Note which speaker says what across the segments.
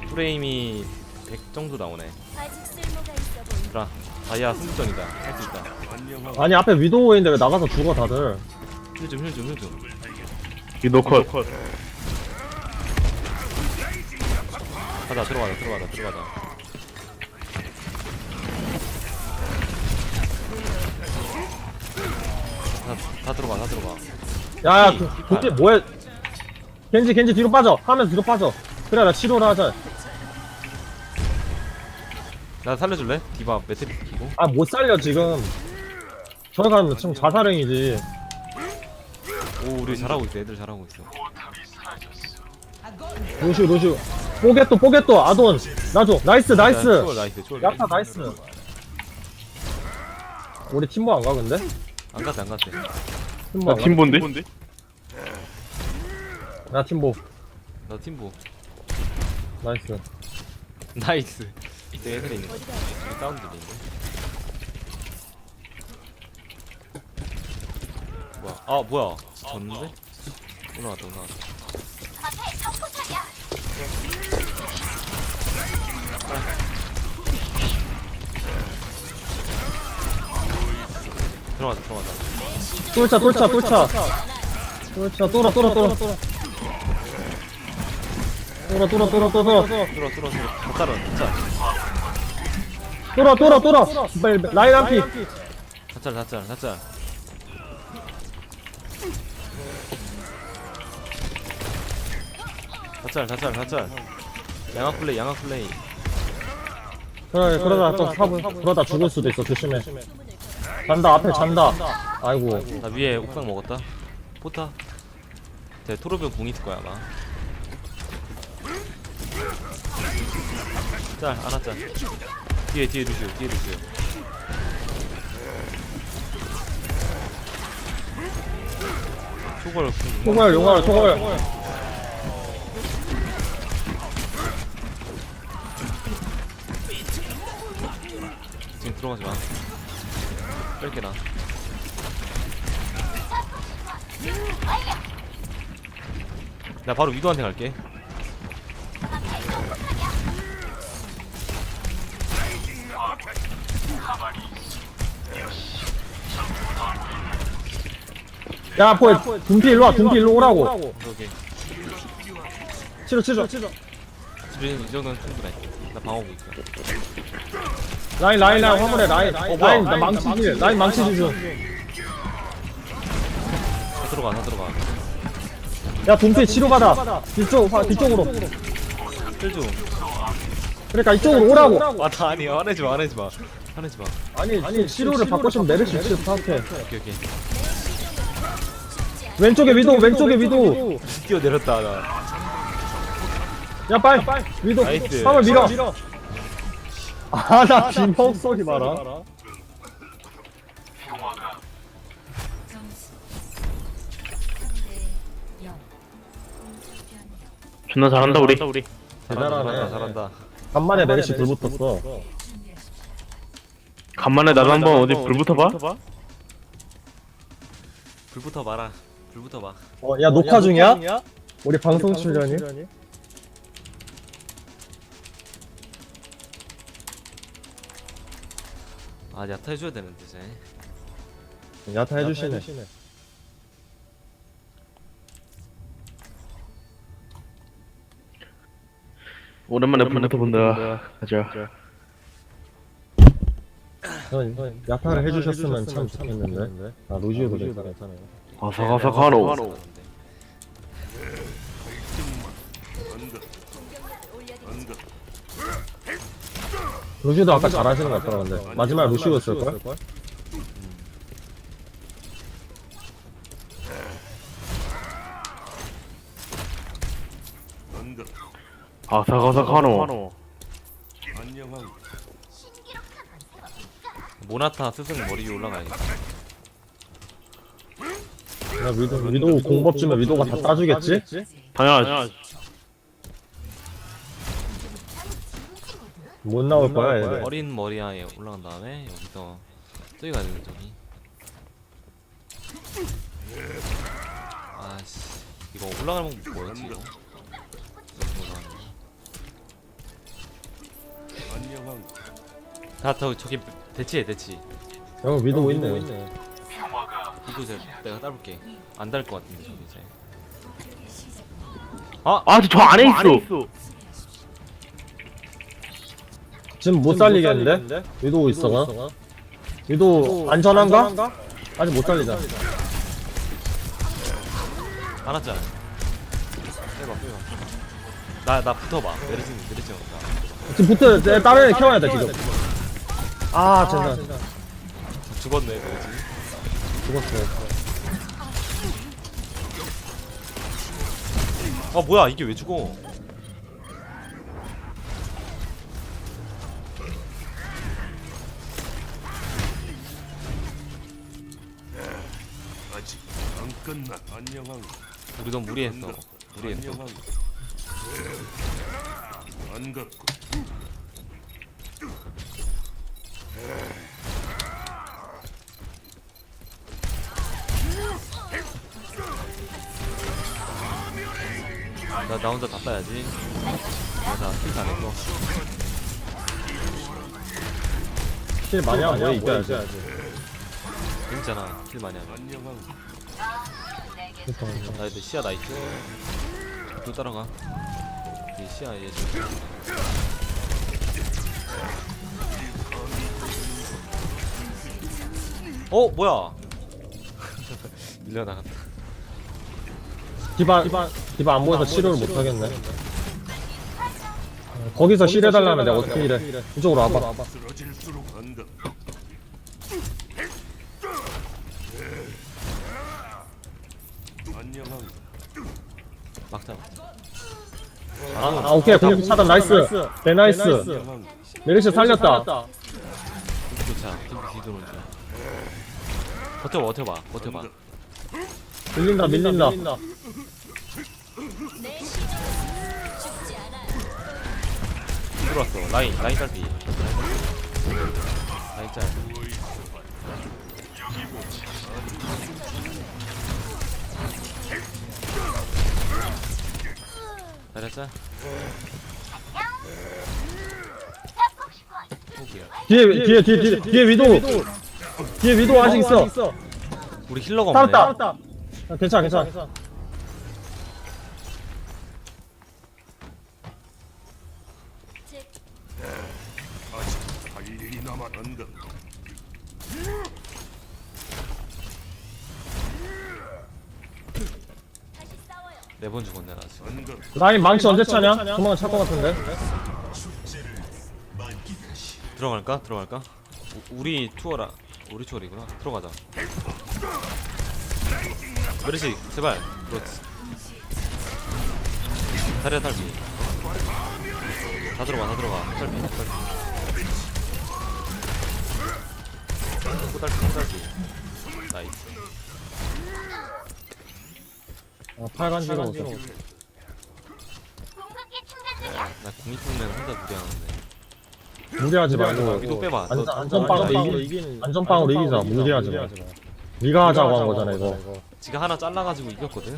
Speaker 1: 프레임이 100 정도 나오네.
Speaker 2: 아직 쓸모가 있어 보인다.
Speaker 1: 라 다이아 승부전이다. 할 수 있다.
Speaker 3: 아니 앞에 위도우 있는데 왜 나가서 죽어 다들.
Speaker 1: 힐 좀.
Speaker 4: 위도 컷.
Speaker 1: 가자 들어가자. 다 들어가.
Speaker 3: 야야
Speaker 1: 피,
Speaker 3: 그게 뭐야. 겐지 뒤로 빠져. 하면서 뒤로 빠져. 그래 나 치료를 하자.
Speaker 1: 나 살려줄래? 디바 매트릭 키고.
Speaker 3: 아 못 살려 지금. 저기 가면 지금 자살행이지.
Speaker 1: 오 우리 잘하고 있어. 애들 잘하고 있어.
Speaker 3: 루슈 뽀개또 아돈 나줘. 나이스
Speaker 1: 나이스.
Speaker 3: 야타 나이스. 우리 팀보 안 가 근데?
Speaker 1: 안 갔대.
Speaker 3: 팀보
Speaker 4: 나
Speaker 3: 안 가?
Speaker 4: 팀본데?
Speaker 3: 나 팀보
Speaker 1: 나 팀보.
Speaker 3: 나이스.
Speaker 1: 나이스. 이때 애들이 있네. 여기 사운드 들리는데. 뭐야? 졌는데? 올라갔다. 들어가자.
Speaker 3: 뚫자 뚫어 라인 한피.
Speaker 1: 다짤. 다짤. 양악 플레이.
Speaker 3: 그래 그러다 또 사분 그러다 죽을 수도 있어. 조심해. 잔다 앞에 잔다. 아이고
Speaker 1: 나 위에 옥상 먹었다. 포타. 제 토르비온 궁 있을 거야 아마. 짤. 뒤에 루시오.
Speaker 3: 총알 용알
Speaker 1: 지금 들어가지 마. 뺄게 나. 나 바로 위도한테 갈게.
Speaker 3: 야 포에 둠피 일로 오라고.
Speaker 1: 오케이.
Speaker 3: 치료
Speaker 1: 지금 이 정도는 충분해. 나 방어구 있어.
Speaker 3: 라인 화물에 라인 나 망치 주죠.
Speaker 1: 다 들어가.
Speaker 3: 야 둠피 치료받아. 뒤쪽으로.
Speaker 1: 힐 좀.
Speaker 3: 그러니까 이쪽으로 오라고.
Speaker 1: 나 아니야. 화내지 마.
Speaker 3: 아니 치료를 받고 싶으면 메르시 치료 파악해.
Speaker 1: 오케이.
Speaker 3: 왼쪽에 위도우.
Speaker 1: 뛰어내렸다 나.
Speaker 3: 야 빨리 위도우
Speaker 1: 나이스.
Speaker 3: 화물 밀어. 아나 비명 소리 봐라.
Speaker 4: 존나 잘한다 우리.
Speaker 3: 대단하네.
Speaker 1: 잘한다.
Speaker 3: 간만에 메르시 불 붙었어.
Speaker 4: 간만에 나도 한번 어디 불 붙어봐.
Speaker 1: 불부터 봐라. 불부터 봐.
Speaker 3: 야 녹화 중이야? 우리 방송 출연이?
Speaker 1: 아 야타 해줘야 되는데 이제.
Speaker 3: 야타 해주시네.
Speaker 4: 오랜만에 불 붙어본다. 가자.
Speaker 3: 야타를 해주셨으면 참 좋겠는데. 아 루지오도 괜찮아요.
Speaker 4: 아삭아삭하노.
Speaker 3: 루시오도 아까 잘하시는 것 같더라. 근데 마지막에 루시오였을걸?
Speaker 4: 아삭아삭하노.
Speaker 1: 모나타 스승 머리 위에 올라가야겠다.
Speaker 3: 야 위도우 공법 주면 위도우가 다 따주겠지?
Speaker 4: 당연하지.
Speaker 3: 못 나올 거야 얘들.
Speaker 1: 어린 머리아에 올라간 다음에 여기서 저기 가야 되는 저기. 아씨 이거 올라가는 건 뭐였지 이거? 다 저기 대치해 대치.
Speaker 3: 여기 위도 있네.
Speaker 1: 이거 내가 따볼게. 안 달 것 같은데 저기 이제.
Speaker 4: 아, 저 안에 있어.
Speaker 3: 지금 못 살리겠는데? 위도 있어가? 위도 안전한가? 아직 못 살리자.
Speaker 1: 안았잖아. 빼봐. 나 붙어봐. 내리지 마.
Speaker 3: 지금 붙어, 다른 애 키워야 돼, 지금. 아, 젠장.
Speaker 1: 죽었네 내리지.
Speaker 3: 죽었어.
Speaker 1: 아 뭐야 이게 왜 죽어?
Speaker 5: 아직 안 끝나. 안녕한
Speaker 1: 우리 너무 무리했어. 무리했어.
Speaker 5: 반갑고
Speaker 1: 나 혼자 다 따야지. 나 킬도 안 했고.
Speaker 3: 킬 많이 하면 왜 이겨야지.
Speaker 1: 재밌잖아. 킬 많이 하면.
Speaker 5: 안녕한
Speaker 1: 나 이제 시야 나이트. 또 따라가. 이 시야 얘 지금. 뭐야? 밀려나갔다.
Speaker 3: 디바 안 보여서 치료를 못 하겠네. 거기서 힐해달라면 내가 어떻게 힐해. 이쪽으로 와봐.
Speaker 5: 쓰러질수록 반갑고 안녕한
Speaker 1: 막자.
Speaker 3: 아, 오케이. 공격 차단, 나이스. 네, 나이스.
Speaker 5: 안녕한
Speaker 3: 메리시 살렸다.
Speaker 1: 좋자. 팀 뒤도는 중. 버텨봐.
Speaker 3: 밀린다.
Speaker 2: 내 시종은 죽지 않아.
Speaker 1: 들어왔어. 라인 딸피. 라인 짤. 잘했자.
Speaker 3: 뒤에 위도. 뒤에 위도 아직 있어.
Speaker 1: 우리 힐러가 없네.
Speaker 3: 살았다. 아, 괜찮아.
Speaker 2: 제
Speaker 5: 아직 할 일이 남아. 반갑고
Speaker 2: 다시 싸워요.
Speaker 1: 4번 죽었네 나 지금.
Speaker 5: 반갑고
Speaker 3: 라인 망치 언제 차냐? 조만간 찰 것 같은데.
Speaker 1: 들어갈까? 우리 투어라. 우리 투어이구나. 들어가자. 메르시 제발. 그렇지. 다리야 탈피. 다 들어가. 탈피. 딸피. 나이스.
Speaker 3: 아, 팔간지로 오자.
Speaker 1: 나 공익풍면 혼자 무리하는데.
Speaker 3: 무리하지 말고.
Speaker 1: 위도 빼봐.
Speaker 3: 안전빵으로 이기자. 무리하지 마. 네가 하자고 한 거잖아, 이거.
Speaker 1: 지가 하나 잘라가지고 이겼거든.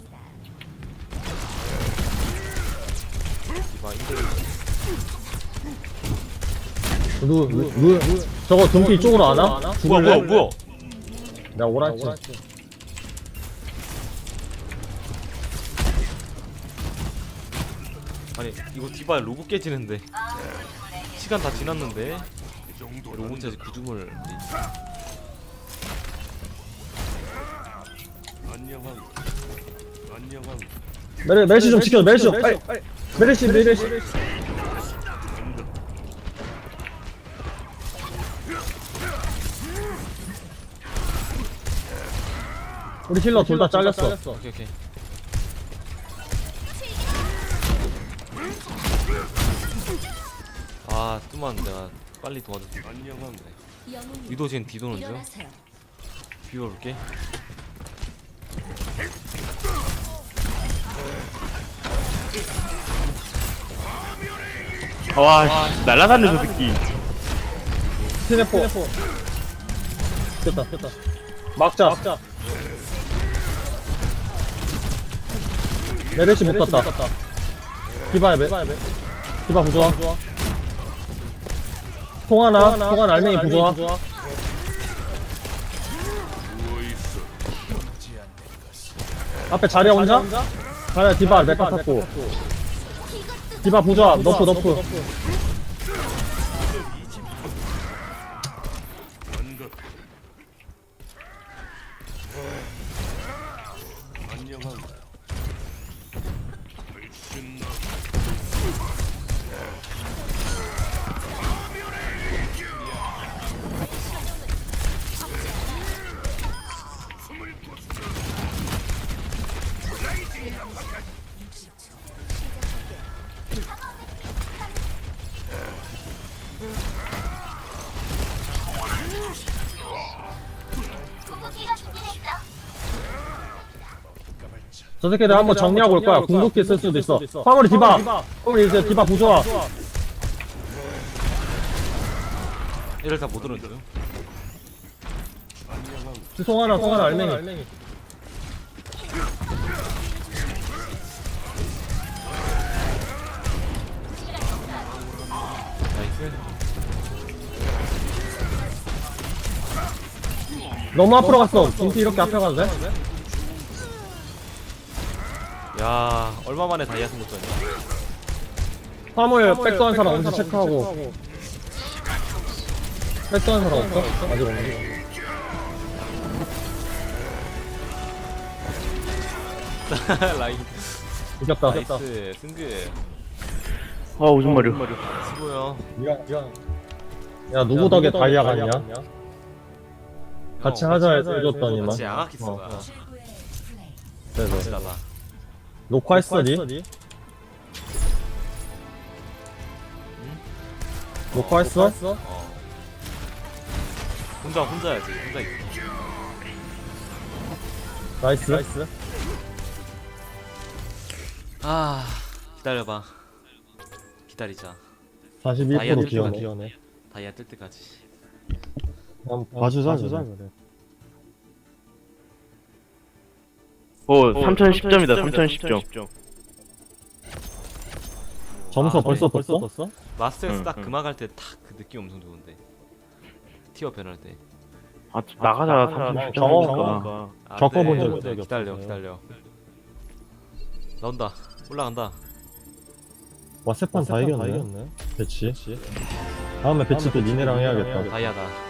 Speaker 1: 이봐 힘들어.
Speaker 3: 저거 둠피 이쪽으로 안 와? 죽을래?
Speaker 1: 뭐야?
Speaker 3: 내가 오라했지.
Speaker 1: 아니 이거 디바 로브 깨지는데 시간 다 지났는데
Speaker 5: 이 정도
Speaker 1: 로봇까지 구중을
Speaker 5: 안녕한
Speaker 3: 메르시 좀 지켜, 메르시 좀. 빨리. 메르시. 우리 힐러 둘 다 잘렸어.
Speaker 1: 오케이. 아 뚜만 내가 빨리 도와줬어.
Speaker 5: 안녕한
Speaker 2: 영웅님
Speaker 1: 위도 지금 뒤도는 중.
Speaker 2: 일어나세요.
Speaker 1: 비워볼게.
Speaker 4: 와, 씨, 날라다녀, 저 새끼.
Speaker 3: 스냅포. 됐다. 막자. 메르시 묶었다. 디바 부좋아. 통하나 알맹이 부좋아.
Speaker 5: 누워있어.
Speaker 3: 앞에 자리야 혼자? 자리야 디바 메카 탔고. 디바 부좋아. 너프.
Speaker 5: 반갑. 안녕한가. 훨씬 나.
Speaker 3: 저 새끼들 한번 정리하고 올 거야. 궁극기 쓸 수도 있어. 화물이 디바. 화물이 이제 디바 부좋아.
Speaker 1: 얘를 다 못 오는 중.
Speaker 3: 송하나 알맹이.
Speaker 1: 나이스.
Speaker 3: 너무 앞으로 갔어. 김치 이렇게 앞에 가도 돼?
Speaker 1: 야, 얼마 만에 다이아 승부전이야.
Speaker 3: 화물 백도한 사람 언제 체크하고. 백도한 사람 없어? 아직 없네.
Speaker 1: 라인.
Speaker 3: 이겼다.
Speaker 1: 나이스. 승급.
Speaker 4: 아 오줌 마려.
Speaker 1: 수고요.
Speaker 3: 미안. 야 누구 덕에 다이아 갔냐? 같이 하자 해줬더니만.
Speaker 1: 같이 양아키스가.
Speaker 3: 그래서
Speaker 1: 멋지다다.
Speaker 3: 녹화했어 니? 녹화했어?
Speaker 1: 어. 혼자야지. 혼자 있어.
Speaker 3: 나이스.
Speaker 1: 아, 기다려봐. 기다리자.
Speaker 3: 42% 기여네.
Speaker 1: 다이아 뜰 때까지.
Speaker 3: 봐주자 그래.
Speaker 4: 오 3010점이다 3010점.
Speaker 3: 점수
Speaker 1: 아,
Speaker 3: 벌써
Speaker 1: 네.
Speaker 3: 떴어?
Speaker 1: 마스터에서 딱
Speaker 4: 응.
Speaker 1: 그만할 때 딱 그 느낌 엄청 좋은데. 티어 변할 때.
Speaker 4: 아 나가자
Speaker 3: 경험.
Speaker 4: 3010점이니까.
Speaker 1: 아,
Speaker 3: 겪어본
Speaker 1: 네.
Speaker 3: 적이 없어요.
Speaker 1: 기다려. 나온다. 올라간다.
Speaker 3: 와 세판 다 이겼네. 배치. 다음에 배치 또 니네랑 해야겠다.
Speaker 1: 다이아다.